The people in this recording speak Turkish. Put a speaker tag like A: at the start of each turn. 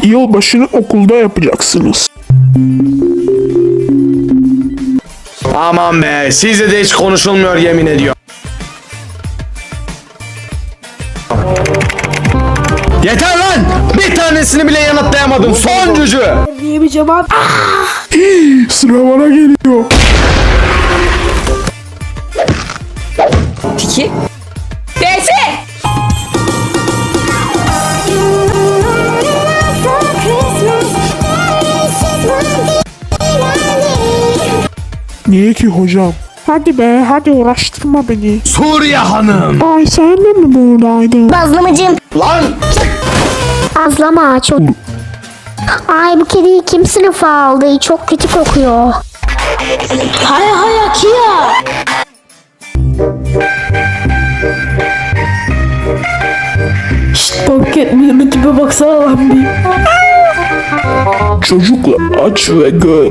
A: Yılbaşını okulda yapacaksınız.
B: Aman be, sizle de hiç konuşulmuyor yemin ediyorum. Yeter lan! Bir tanesini bile yanıtlayamadım. Sonuncucu!
C: Niye bir cevap?
A: Sıra bana geliyor.
C: Tiki. Besi.
A: Niye ki hocam? Hadi be, hadi uğraştırma beni.
B: Suriye hanım!
A: Ay sen de mi buradaydın?
D: Bazlamacığım.
B: Lan!
D: Azlama çok. Ay bu kediyi kim sınıfa aldı? Çok kötü kokuyor.
C: Hay hay Kia. Şşt Bobcat, bir tipe baksana lan bir.
A: Çocuklar aç ve gör.